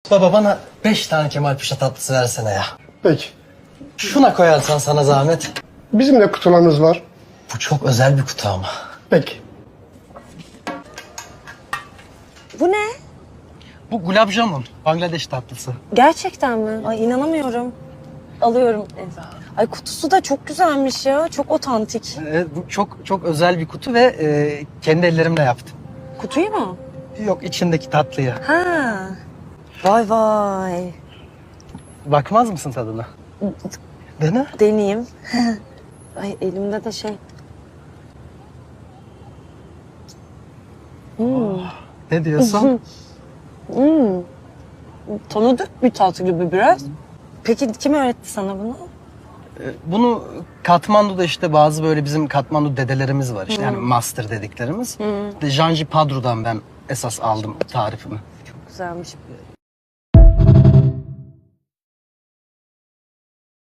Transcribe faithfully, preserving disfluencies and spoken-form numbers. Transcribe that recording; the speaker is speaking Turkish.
Baba bana beş tane Kemal Paşa tatlısı versene ya. Peki. Şuna koyarsan sana zahmet. Bizim de kutularımız var. Bu çok özel bir kutu ama. Peki. Bu ne? Bu gulab jamun, Bangladeş tatlısı. Gerçekten mi? Ay inanamıyorum. Alıyorum. Ay kutusu da çok güzelmiş ya. Çok otantik. Ee, bu çok çok özel bir kutu ve e, kendi ellerimle yaptım. Kutuyu mu? Yok, içindeki tatlıyı. Ha. Vay vay. Bakmaz mısın tadına? Dene. Deneyeyim. Ay elimde de şey. Hmm. Ne diyorsun? Hmm. Tanıdık bir tat gibi biraz. Peki kim öğretti sana bunu? Ee, Bunu Katmandu'da işte bazı böyle bizim Katmandu dedelerimiz var işte yani master dediklerimiz. İşte Janji Padru'dan ben esas aldım tarifimi. Çok güzelmiş.